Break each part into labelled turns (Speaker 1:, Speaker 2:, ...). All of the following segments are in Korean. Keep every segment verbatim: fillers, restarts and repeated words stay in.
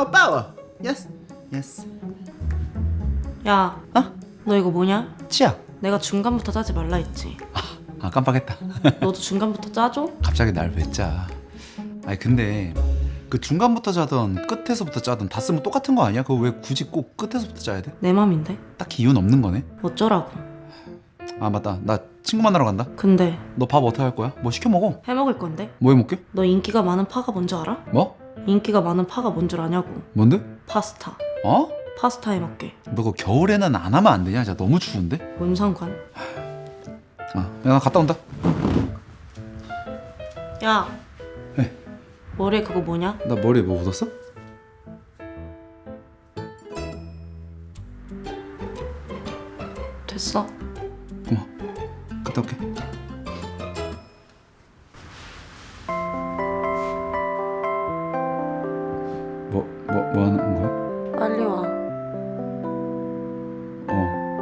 Speaker 1: 파워 파워. 예스 예스.
Speaker 2: 야,
Speaker 1: 어?
Speaker 2: 너 이거 뭐냐?
Speaker 1: 치약.
Speaker 2: 내가 중간부터 짜지 말라 했지.
Speaker 1: 아 깜빡했다.
Speaker 2: 너도 중간부터 짜줘?
Speaker 1: 갑자기 날 왜 짜? 아니 근데 그 중간부터 짜던 끝에서부터 짜던 다 쓰면 똑같은 거 아니야? 그거 왜 굳이 꼭 끝에서부터 짜야 돼?
Speaker 2: 내 맘인데.
Speaker 1: 딱히 이유는 없는 거네.
Speaker 2: 어쩌라고.
Speaker 1: 아 맞다. 나 친구 만나러 간다.
Speaker 2: 근데
Speaker 1: 너 밥 어떻게 할 거야? 뭐 시켜 먹어?
Speaker 2: 해먹을 건데?
Speaker 1: 뭐 해 먹게?
Speaker 2: 너 인기가 많은 파가 뭔지 알아?
Speaker 1: 뭐?
Speaker 2: 인기가 많은 파가 뭔 줄 아냐고.
Speaker 1: 뭔데?
Speaker 2: 파스타.
Speaker 1: 어?
Speaker 2: 파스타 해먹게.
Speaker 1: 너 그거 겨울에는 안 하면 안 되냐? 진짜 너무 추운데?
Speaker 2: 뭔 상관?
Speaker 1: 아, 야, 나 갔다 온다.
Speaker 2: 야.
Speaker 1: 네.
Speaker 2: 머리에 그거 뭐냐?
Speaker 1: 나 머리에 뭐 묻었어?
Speaker 2: 됐어.
Speaker 1: 고마워. 갔다 올게. 뭐, 뭐, 뭐 하는 거야?
Speaker 2: 빨리 와.
Speaker 1: 어.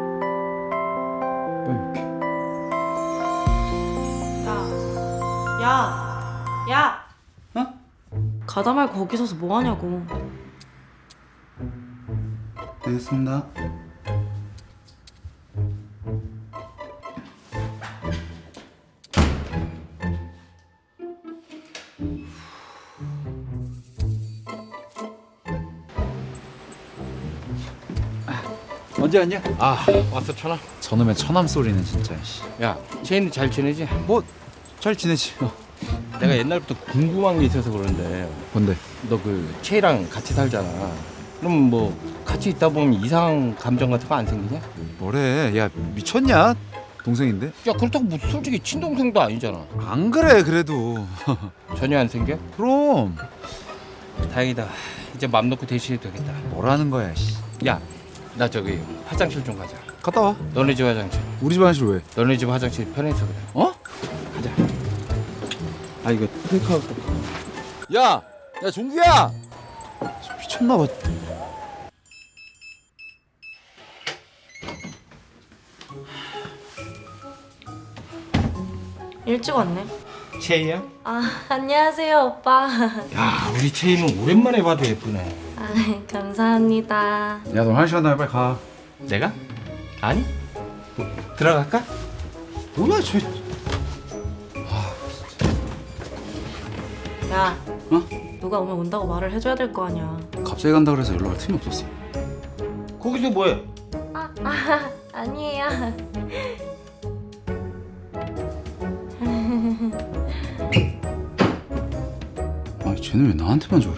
Speaker 1: 빨리 올게.
Speaker 2: 야. 야. 야.
Speaker 1: 어?
Speaker 2: 가다 말고 거기 서서 뭐 하냐고.
Speaker 1: 알겠습니다. 언제 왔냐?
Speaker 3: 아 왔어 천아.
Speaker 1: 저놈의 처남 소리는 진짜.
Speaker 3: 야 채인이 잘 지내지?
Speaker 1: 뭐 잘 지내지? 어.
Speaker 3: 내가 옛날부터 궁금한 게 있어서 그러는데
Speaker 1: 뭔데?
Speaker 3: 너 그 채이랑 같이 살잖아. 그럼 뭐 같이 있다 보면 이상한 감정 같은 거 안 생기냐?
Speaker 1: 뭐래? 야 미쳤냐? 동생인데?
Speaker 3: 야 그렇다고 뭐 솔직히 친동생도 아니잖아.
Speaker 1: 안 그래 그래도.
Speaker 3: 전혀 안 생겨?
Speaker 1: 그럼
Speaker 3: 다행이다. 이제 맘 놓고 대신해도 되겠다.
Speaker 1: 뭐라는 거야? 씨.
Speaker 3: 야 나 저기 화장실 좀 가자.
Speaker 1: 갔다 와.
Speaker 3: 너네 집 화장실.
Speaker 1: 우리 집 화장실 왜?
Speaker 3: 너네 집 화장실 편해서 그래.
Speaker 1: 어?
Speaker 3: 가자. 아 이거 테이크아웃. 야, 야 종규야.
Speaker 1: 미쳤나 봐.
Speaker 2: 일찍 왔네.
Speaker 3: 채이야?
Speaker 2: 아, 안녕하세요, 오빠.
Speaker 3: 야 우리 채이는 오랜만에 봐도 예쁘네.
Speaker 2: 아, 감사합니다.
Speaker 1: 야, 너 화장실 간다며 빨리 가.
Speaker 3: 내가? 아니? 뭐, 들어갈까?
Speaker 1: 뭐야, 저.
Speaker 2: 야,
Speaker 1: 어?
Speaker 2: 누가 오면 온다고 말을 해줘야 될 거 아니야.
Speaker 1: 갑자기 간다 그래서 연락할 틈이 없었어.
Speaker 3: 거기서 뭐해?
Speaker 2: 아, 아 아니에요.
Speaker 1: 아니, 쟤는 왜 나한테만 저래?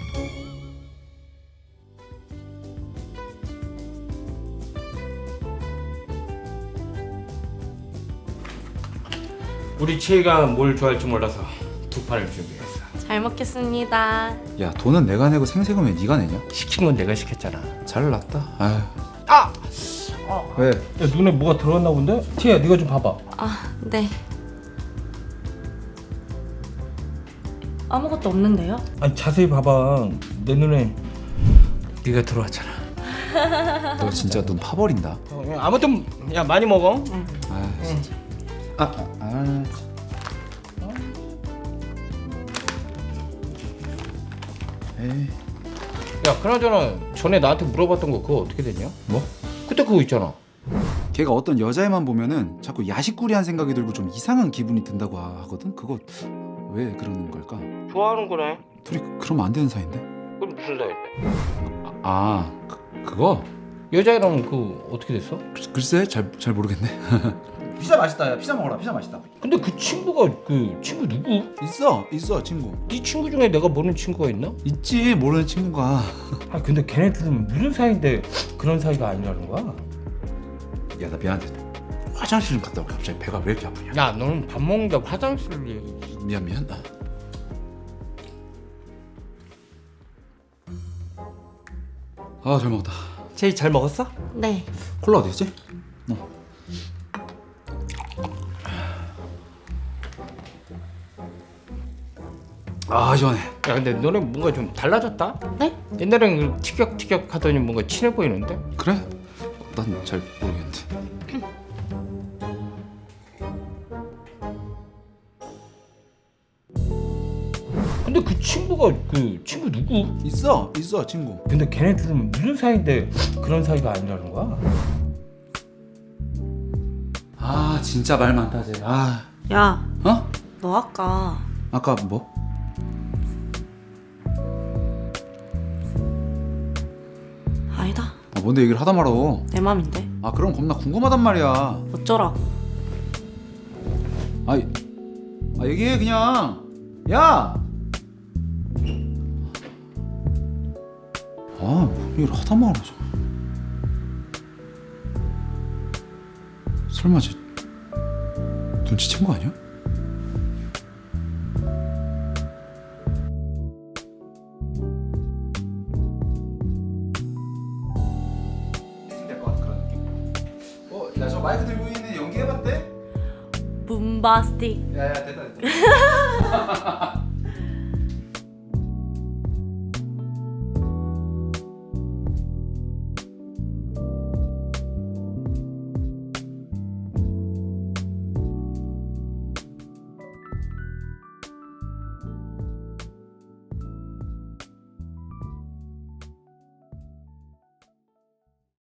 Speaker 3: 우리 채이가 뭘 좋아할지 몰라서 두 판을 준비했어.
Speaker 2: 잘 먹겠습니다.
Speaker 1: 야, 돈은 내가 내고 생색은 왜 네가 내냐?
Speaker 3: 시킨 건 내가 시켰잖아.
Speaker 1: 잘났다. 아휴.
Speaker 3: 아!
Speaker 1: 왜?
Speaker 3: 야 눈에 뭐가 들어갔나 본데? 채이야 네가 좀 봐봐.
Speaker 2: 아, 네. 아무것도 없는데요?
Speaker 3: 아니 자세히 봐봐. 내 눈에 네가 들어왔잖아.
Speaker 1: 너 진짜 눈 파버린다.
Speaker 3: 어, 야, 아무튼 야 많이 먹어.
Speaker 1: 아, 진짜. 아, 아, 아. 에이.
Speaker 3: 야 그나저나 전에 나한테 물어봤던 거 그거 어떻게 됐냐?
Speaker 1: 뭐?
Speaker 3: 그때 그거 있잖아.
Speaker 1: 걔가 어떤 여자애만 보면은 자꾸 야식꾸리한 생각이 들고 좀 이상한 기분이 든다고 하거든. 그거 왜 그러는 걸까?
Speaker 3: 좋아하는 거네.
Speaker 1: 둘이 그러면 안 되는 사이인데?
Speaker 3: 그럼 무슨 사이인데?
Speaker 1: 아, 아 그, 그거?
Speaker 3: 여자애랑 그 어떻게 됐어?
Speaker 1: 글- 글쎄 잘 잘 모르겠네. 피자 맛있다. 야, 피자 먹어라. 피자 맛있다.
Speaker 3: 근데 그 친구가 그 친구 누구?
Speaker 1: 있어, 있어 친구.
Speaker 3: 네 친구 중에 내가 모르는 친구가 있나?
Speaker 1: 있지 모르는 친구가.
Speaker 3: 아 근데 걔네들은 무슨 사이인데 그런 사이가 아니라는 거야?
Speaker 1: 야, 나 미안한데 화장실 좀 갔다 올게. 갑자기 배가 왜 이렇게 아프냐?
Speaker 3: 야 너는 밥 먹는데 화장실을 얘기.
Speaker 1: 미안 미안. 아, 잘 먹었다.
Speaker 3: 제이 잘 먹었어?
Speaker 2: 네.
Speaker 1: 콜라 어디 있지? 어. 아, 시원해.
Speaker 3: 야 근데 너네 뭔가 좀 달라졌다?
Speaker 2: 네?
Speaker 3: 옛날엔 그 티격티격 하더니 뭔가 친해 보이는데?
Speaker 1: 그래? 난 잘 모르겠는데.
Speaker 3: 근데 근데 그 친구가 그 친구 누구?
Speaker 1: 있어 있어 친구.
Speaker 3: 근데 걔네 둘은 무슨 사이인데 그런 사이가 아니라는 거야?
Speaker 1: 아 진짜 말 많다 쟤. 아
Speaker 2: 야,
Speaker 1: 어?
Speaker 2: 너 아까
Speaker 1: 아까 뭐?
Speaker 2: 아니다.
Speaker 1: 아 뭔데 얘기를 하다 말어.
Speaker 2: 내 맘인데.
Speaker 1: 아 그럼 겁나 궁금하단 말이야.
Speaker 2: 어쩌라고.
Speaker 1: 아, 아 얘기해 그냥. 야. 아뭔 얘기를 하다 말어. 설마 쟤 눈치챈 거 아니야? 될것 같은 그런 느낌. 어, 야 저 마이크 들고 있는 연기해봤대?
Speaker 2: 붐바스틱.
Speaker 1: 야야 됐다 됐다.